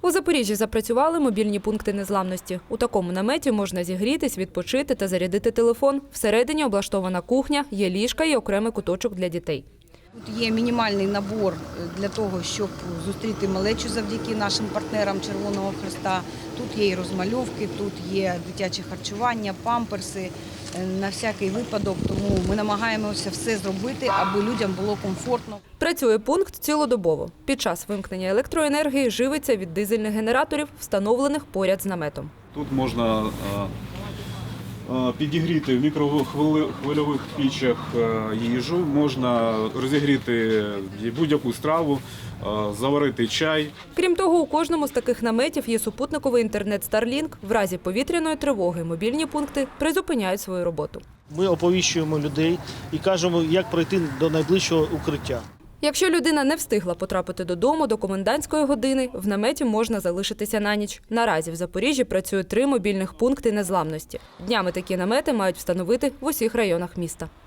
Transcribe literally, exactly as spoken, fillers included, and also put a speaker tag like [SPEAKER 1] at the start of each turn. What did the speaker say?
[SPEAKER 1] У Запоріжжі запрацювали мобільні пункти незламності. У такому наметі можна зігрітись, відпочити та зарядити телефон. Всередині облаштована кухня, є ліжка і окремий куточок для дітей.
[SPEAKER 2] Тут є мінімальний набор для того, щоб зустріти малечу завдяки нашим партнерам Червоного Хреста. Тут є і розмальовки, тут є дитяче харчування, памперси на всякий випадок. Тому ми намагаємося все зробити, аби людям було комфортно.
[SPEAKER 1] Працює пункт цілодобово. Під час вимкнення електроенергії живиться від дизельних генераторів, встановлених поряд з наметом.
[SPEAKER 3] Тут можна підігріти в мікрохвильових пічах їжу, можна розігріти будь-яку страву, заварити чай.
[SPEAKER 1] Крім того, у кожному з таких наметів є супутниковий інтернет Starlink. В разі повітряної тривоги мобільні пункти призупиняють свою роботу.
[SPEAKER 4] Ми оповіщуємо людей і кажемо, як пройти до найближчого укриття.
[SPEAKER 1] Якщо людина не встигла потрапити додому до комендантської години, в наметі можна залишитися на ніч. Наразі в Запоріжжі працює три мобільних пункти незламності. Днями такі намети мають встановити в усіх районах міста.